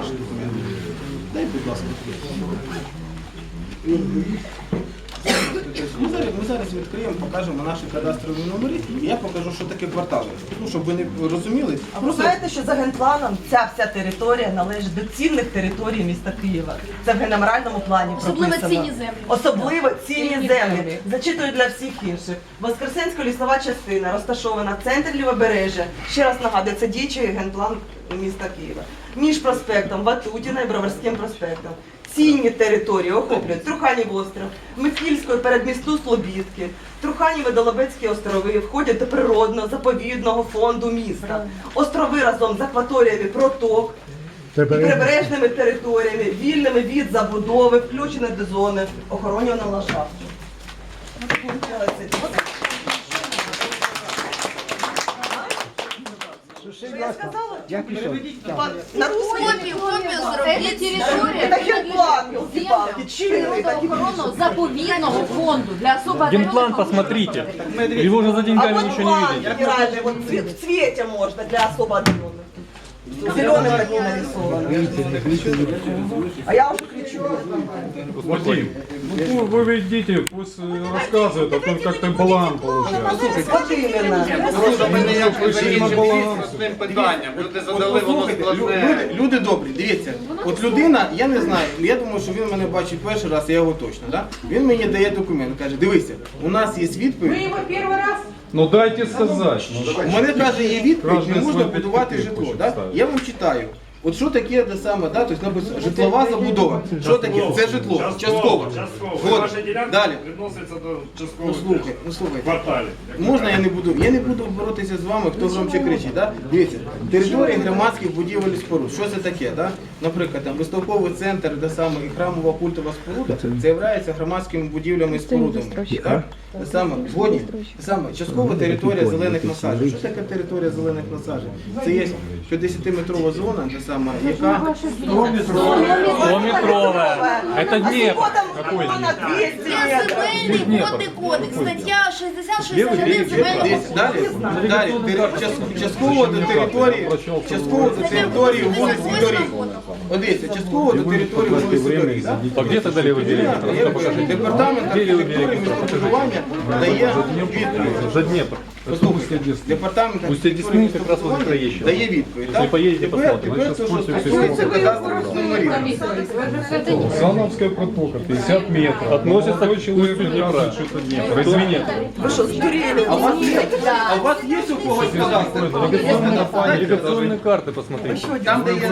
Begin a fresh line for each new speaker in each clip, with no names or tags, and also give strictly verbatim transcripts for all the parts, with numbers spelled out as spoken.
наші документи. Дай, будь ласка. Ми зараз, ми зараз відкриємо, покажемо наші кадастрові номери, і я покажу, що таке квартали. Ну, щоб ви не розуміли.
А ви знаєте, що за генпланом ця вся територія належить до цінних територій міста Києва. Це в генеральному плані
Особливо
прописано.
цінні землі.
Особливо цінні
Цінні
землі.
землі.
Зачитую для всіх інших. Воскресенська лісова частина розташована в центрі Лівобережжя. Ще раз нагадую, це діючий генплан міста Києва. Між проспектом Ватутіна і Броварським проспектом. Цінні території охоплюють Труханів острів, Михільської передмісту Слобідки, Труханів і Долобецькі острови входять до природного заповідного фонду міста. Острови разом з акваторіями проток і прибережними територіями, вільними від забудови, включені до зони охоронюваного ландшафту. Що я сказала? На русский?
Копію, копію зробіть. Територія
Это генплан, елки-палки, чинный такие.
охорону заповідного фонду для особо
Генплан посмотрите. Его уже за
А
деньгами
вот
ничего не
план
видите.
генеральный, вот цвет- в цвете можно для особо отдаленных. Зеленым одни нарисовано. А я уже кричу.
Вадим, ну вы ведите, пусть э, рассказывает, а то как-то баланс получается.
Вот именно.
Просто ми не як
на баланс.
простим питанням. Люди задали, воно
Послухайте, лю-
складне.
люди, люди добрі, дивіться, от людина, я не знаю, я думаю, що він мене бачить перший раз, я його точно, да? Він мені дає документ, каже, дивися, у нас є відповідь,
Ну дайте сказать.
у мене каже, є відповідь, не
Кожен
можна
свій
будувати
підпис
житло,
хоче
да?
ставити.
Я вам читаю. От що таке те саме, да? Тобто написано житлова забудова. Що таке? Це житло, частково. От.
Ваша ділянка
Далі.
відноситься до
Ну
часткового
слухай, ну слухайте.
кварталів.
Можна я не буду? Я не буду боротися з вами, хто громче кричить. Да? Дивіться, територія громадських будівель і споруд. Що це таке? Да? Наприклад, там виставковий центр, де саме і храмова культова споруда, це є громадськими будівлями і спорудами. Да? Те саме, згодні? Те саме, часткова територія зелених насаджень. Що таке територія зелених насаджень? Це є п'ятдесятиметрова зона, те саме, яка
Стометровая. Это Днепр. Какой
Вона
Днепр?
двісті
Є
метрів.
земельний водний кодекс, стаття шістдесят шістдесят один земельного
Десь далі, далі, тери- час- частково до території, частково до території вулиць і доріг. Одеся, частково до території вулиць і доріг. да?
А где тогда левый берег?
Я покажу. Департамент архітектури і містобудування дає відповідь.
За Днепр.
Послухайте, департамент
Устье
архітектури і
Десны как раз возле
містобудування
Троещины.
дає відповідь.
Если
так?
поедете,
Тепер,
посмотрите.
тепер
Мы
це
сейчас
що
спустимся
стосується
всего.
кадастрових номерів.
Сановская протока, пятьдесят метров. Относится к человеку Днепра. Что это Днепр? Извините.
Ви що, здуріли?
А у вас є, а у вас є у когось кадастр?
Навигационные карты посмотрите.
Там, де є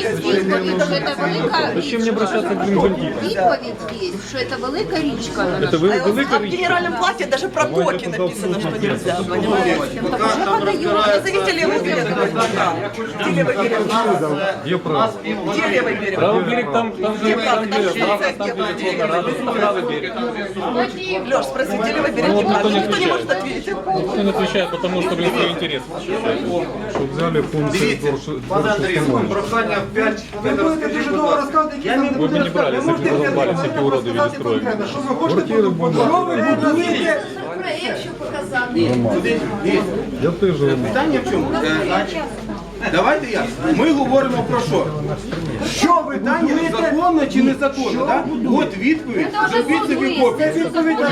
Зачем мне обращаться к бандитам?
Відповідь є, що це велика річка.
Это вы,
А
велика
в генеральном плане даже про токи написано, что нельзя, понимаете?
Там розбирається.
Назовите левый берег. Где левый берег?
Где право?
Где левый берег?
Правый берег там, там же, там где, право, там где Волгоград, правый берег.
Леш, спроси, где левый берег?
Ну, вот
Неправда.
никто не
Никто не
отвечает.
может ответить.
Никто не отвечает, потому что, блин, свой интерес. Чтобы взяли функции
Пане Андрій, прохання п'ять хвилин розкажіть, будь ласка.
Я не
Вы бы не брали, если бы вы разбали всякие уроды в виде строек. Квартиры
проєкт, що показати.
Я теж.
Питання в чому? Е, значить, давайте я. Ми говоримо про що? Що питання законно чи незаконно? Да? От відповідь. Зробіть собі копію.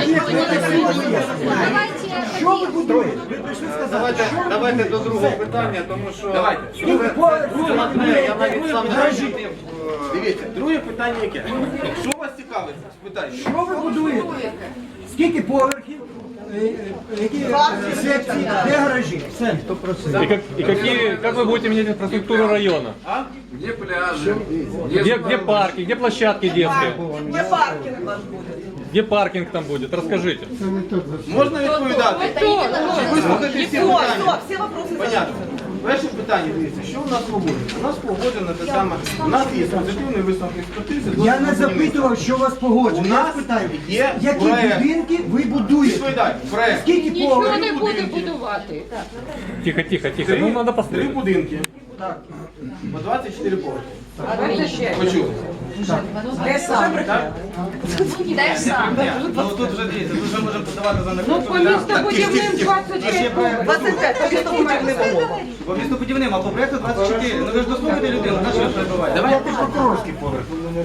Що ви будуєте?
Давайте, давайте до другого питання, тому що
Давайте.
це складне, я навіть сам не розумів.
Дивіться, друге питання яке? Що вас цікавить? Спитайте.
Що ви будуєте? Скільки поверхів? Е, е, Які е, секції? Де гаражі? Все, сто процентів.
И, как, и какие, как вы будете менять инфраструктуру района?
Где пляжі?
Где, где парки, где площадки детские?
Где паркинг ваш будет?
Где паркинг там будет? Расскажите.
Можна відповідати? Вислухайте всі
Все,
питання.
все, все вопросы
Понятно. Перше питання, дивіться, що у нас погоджено? У нас погоджено те саме. У нас є позитивний висновок експертизи.
Я не запитував, що у вас
У
погоджено. Я
нас
питаю,
є
які
проект.
будинки ви будуєте?
Відповідай, проект.
Скільки поверхів?
не буде будувати.
Тихо, тихо, тихо. Ну, надо
Три
посмотреть.
будинки.
Так.
По двадцять чотири поверхи. Почули?
Те саме.
Так?
Те ж саме.
Ну тут вже дивіться, тут вже можемо подавати за
Ну, по містобудівним двадцять п'ять.
двадцять п'ять, по містобудівним умовам.
По містобудівним, а по проекту двадцять чотири. Ну ви ж дослухайте людину, на що ви перебуваєте?
Давай.
Прокурорський поверх.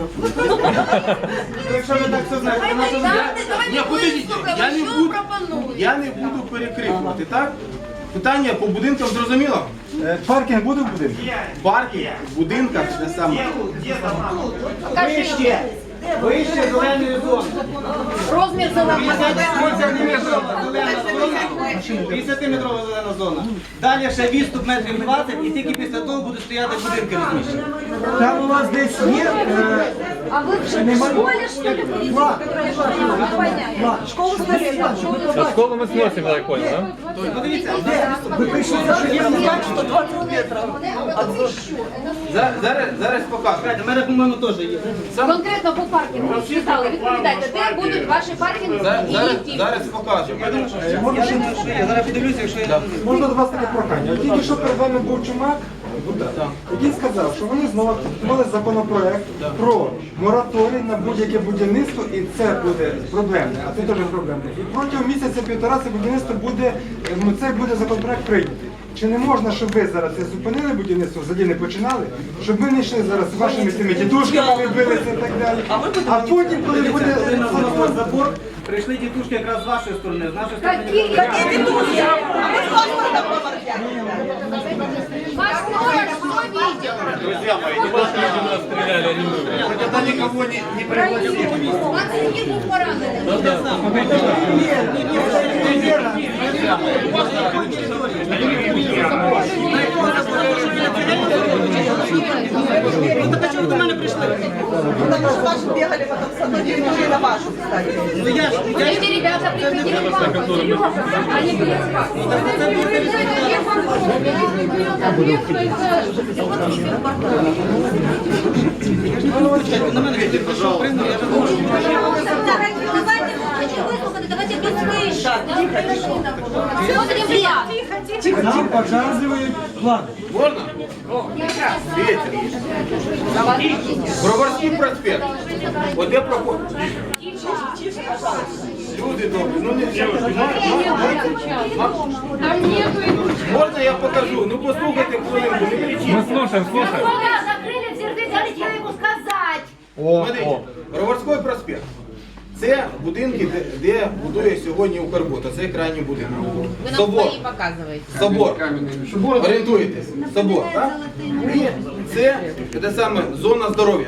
Якщо ви так все знаєте, то на що ви
Давайте,
Ні,
давайте
подивіться,
вислухаємо,
я не
що
буду,
пропонують.
я не буду перекрикувати, так? Питання по будинкам зрозуміло?
Е, Паркінг буде в будинку?
Парки в будинках те саме.
Вище, вище зеленої зони.
Розмір зеленого.
п'ятдесятиметрова зелена зона. Далі ще відступ метрів двадцять і тільки після того будуть стояти будинки розміщені.
Там у вас десь є е,
А вы в школе, что ли, будете?
план.
Не понятно.
Школу снарядом.
А школу мы сносим, я так понял, да?
Подивіться,
Ви прийшли за що
Я знаю, что двадцать метров.
За- Зараз, зараз покажу.
у мене, по-моєму, теж є.
Конкретно по паркінгу. Читали, відповідайте, де будуть ваші паркінги
За-
і
Зараз,
які?
зараз покажу.
Я думаю, що я зараз подивлюся, якщо я...
Можна до вас таке прохання. От Тільки що перед вами був Чумак, який сказав, що вони знову підготували законопроект про мораторій на будь-яке будівництво, і це буде проблемне, а це теж проблемне. І протягом місяця-півтора це будівництво буде, ну це буде законопроект прийнятий. Чи не можна, щоб ви зараз це зупинили будівництво, взагалі не починали, щоб ми не йшли зараз з вашими цими дідушками, відбилися і так далі. А потім, коли буде
Закон, забор, прийшли тітушки якраз з вашої сторони, з нашої сторони.
Які?
Какие дедушки? А мы с паспортом поморфяли.
Ваш номер, кто видел?
Друзья мои,
Стреляли, они мы.
тогда никого не, не пригласили.
Вас які був поранений?
Ну так а чого ви до мене прийшли?
Потому что ваши бегали потом с одной территории на вашу, кстати.
Ну я ж, я ж...
Эти ребята приходили к вам, Серега, они были к вам.
На мене йдіть, пожалуйста. Я ж говорю.
Давайте, хочу выслушать, давайте без вышек. Смотрим ряд.
Нам показують план.
Можна? Дивіться. Броварський проспект. От де проход. Люди добрі, ну не все. Можна я покажу? Ну послухайте хвилинку, не кричіть.
Мы слушаем, слушаем.
Глаза закрыли, в сердце, дайте я ему сказать.
О,
Смотрите,
о.
Броварський проспект. Це будинки, де, де будує сьогодні Укрбуд, а це крайній будинок. Собор. Собор. Орієнтуєтесь. Собор, так? І це, це саме зона здоров'я.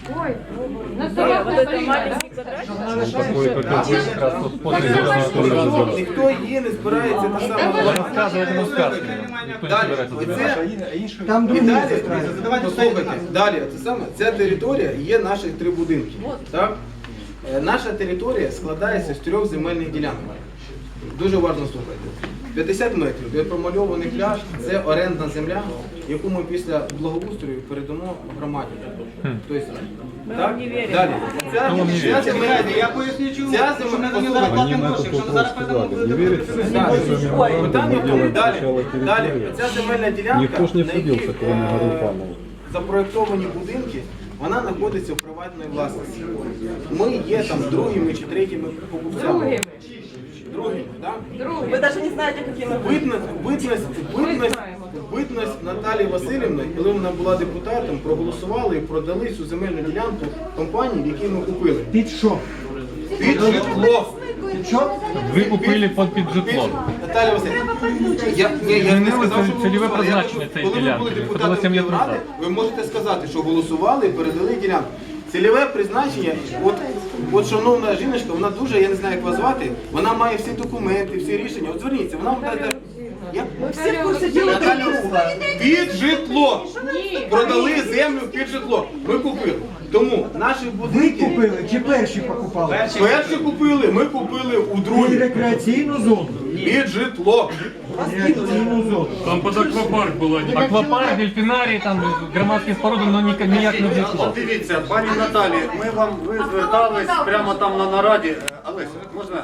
На собак не полетает.
Такой как бы как раз вот после зеленого тоже забор.
Ніхто її не збирається та саме.
Рассказывать ему сказки. Никто не
Далі,
собирается.
оце,
Там
і
другі
далі,
застраюють.
послухайте, далі, це саме, ця територія є наші три будинки. Так? Е, Наша територія складається з трьох земельних ділянок. Дуже уважно слухайте. п'ятдесят метрів, де промальований пляж, це орендна земля, яку ми після благоустрою передамо громаді. Тобто, так? Далі. Ця, ця земельна
Чекайте, я поясню чому.
Ця
Тому що
земля,
ми зараз
послухайте,
платимо гроші, якщо ми зараз передамо, буде
Так, питання в тому, далі, далі, ця земельна ділянка,
Никто ж не
на якій,
садился, кроме
е,
Гарупанова.
запроєктовані будинки, вона знаходиться в приватній власності. Ми є там другими чи третіми покупцями. Другими, так?
Вы даже не знаете, какие мы были.
Битність, битність, битність, битність Наталії Васильівни, коли вона була депутатом, проголосували і продали цю земельну ділянку компанії, в якій ми купили.
Під що?
Під житло.
Під що?
Вы купили под під житлом.
Наталя Васильівна, я, я, я не сказав, що ви
Цільове
голосували. Я
призначення
кажу,
цієї
коли ви були
ділянки. Це було
депутатом
сім років
Київради,
назад.
ви можете сказати, що голосували і передали ділянку. Цільове призначення, от, от шановна жіночка, вона дуже, я не знаю, як вас звати, вона має всі документи, всі рішення. От зверніться, вона вам дасть... Я?
Все в курсе дела.
Наталя, під житло. Продали землю під житло. Ми купили. Тому наші
Ви
будинки
купили чи перші покупали?
перші купили, ми купили у
І
другій.
рекреаційну зону.
Під житло.
Рекреаційну зону.
Там под аквапарк был. Аквапарк, дельфинарий, там громадские споруди, но ніяк ніяк не житло.
Дивіться, пані Наталі, ми вам ви звертались прямо там на нараді. Е, Олеся, можна?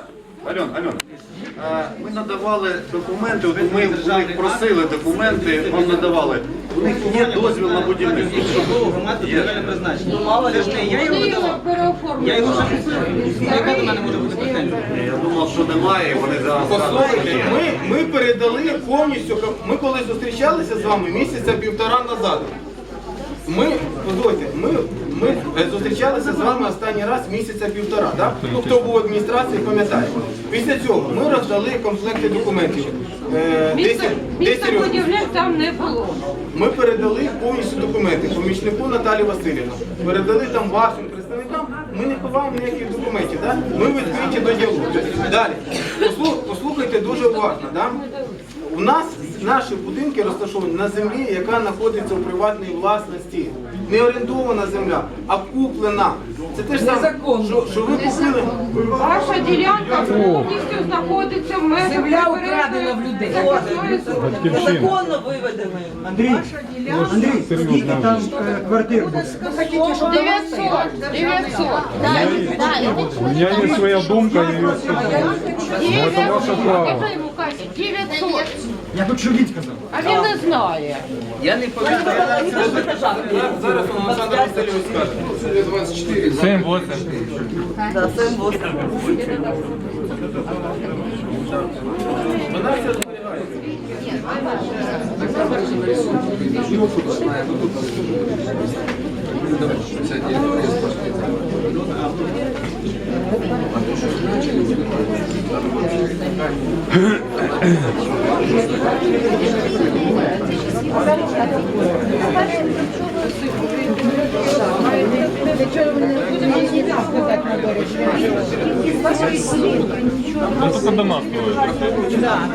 Альон, Альон, а, ми надавали документи, от ми у них просили документи, вам надавали. У них є дозвіл на будівництво.
Громадське торгівельне призначення. Це ж не я його надавав. Я його вже купив. Яка до мене може бути претензія?
Я думав, що немає, і вони зараз
Послухайте,
кажуть, що є.
ми, ми передали повністю, ми коли зустрічалися з вами місяця півтора назад. Ми, послухайте, ми, ми е, зустрічалися з вами останній раз місяця півтора, так? Ну, хто був в адміністрації, пам'ятає. Після цього ми роздали комплекти документів. Е, десять- десять років.
Містобудівних там не було.
Ми передали повністю документи помічнику Наталі Васильівні. Передали там вашим представникам. Ми не ховаємо ніяких документів. Да? Ми відкриті до діалогу. Далі. Послух- Послухайте дуже уважно. Да? У нас наші будинки розташовані на землі, яка знаходиться у приватній власності. Не орендована земля, а куплена. Це те ж саме, що, що ви купили.
Ваша ділянка повністю знаходиться в межах
Земля украдена в людей.
Батьківщина.
Незаконно виведено.
Андрій, Андрій, скільки там е, квартир буде?
дев'ятсот. дев'ятсот.
У меня есть своя думка, я ее скажу. Но это ваше право.
Скажи йому, Катя, дев'ятсот.
Я хочу він сказав.
А він не знає.
Я не пам'ятаю.
Зараз Олександр Васильович скаже.
семь восемь.
Да, це восемь.
Вона все зберігається.
Ну, только дома строят.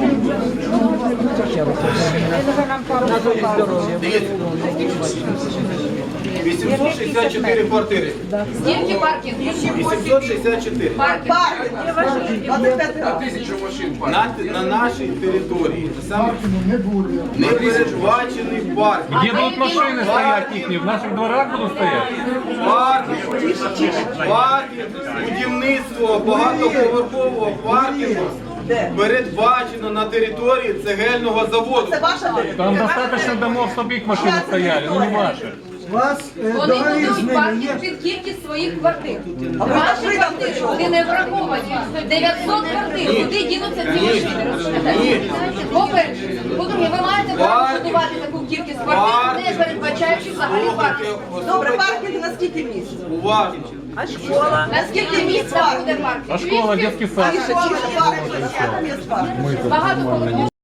вісімсот шістдесят чотири квартири.
Скільки паркінг?
вісімсот шістдесят чотири.
Парки, двадцять п'ять тисяч.
На, на нашій території. Саме не передбачений парк.
Где будут машины стоять их? В наших дворах будут стоять?
Паркінг, паркінг, будівництво багатоповерхового паркінгу передбачено на території цегельного заводу.
Це ваша територія.
Там достаточно домов, чтобы их машины стояли, но не ваши.
У вас е,
Вони
договір з
будуть
ними
паркінг
є?
під кількість своїх квартир.
А ви
Ваші
закрили там
квартири,
чого?
вони не враховані. дев'ятсот квартир, куди дінуться ці машини?
Ні.
По-перше, по-друге, ви маєте право будувати таку кількість квартир, не передбачаючи взагалі паркінг.
Добре, паркінг на скільки місць?
Уважно.
А школа?
На скільки місць там буде паркінг?
А школа, детский
А
сад?
школа, паркінг, а там є паркінг.
Багато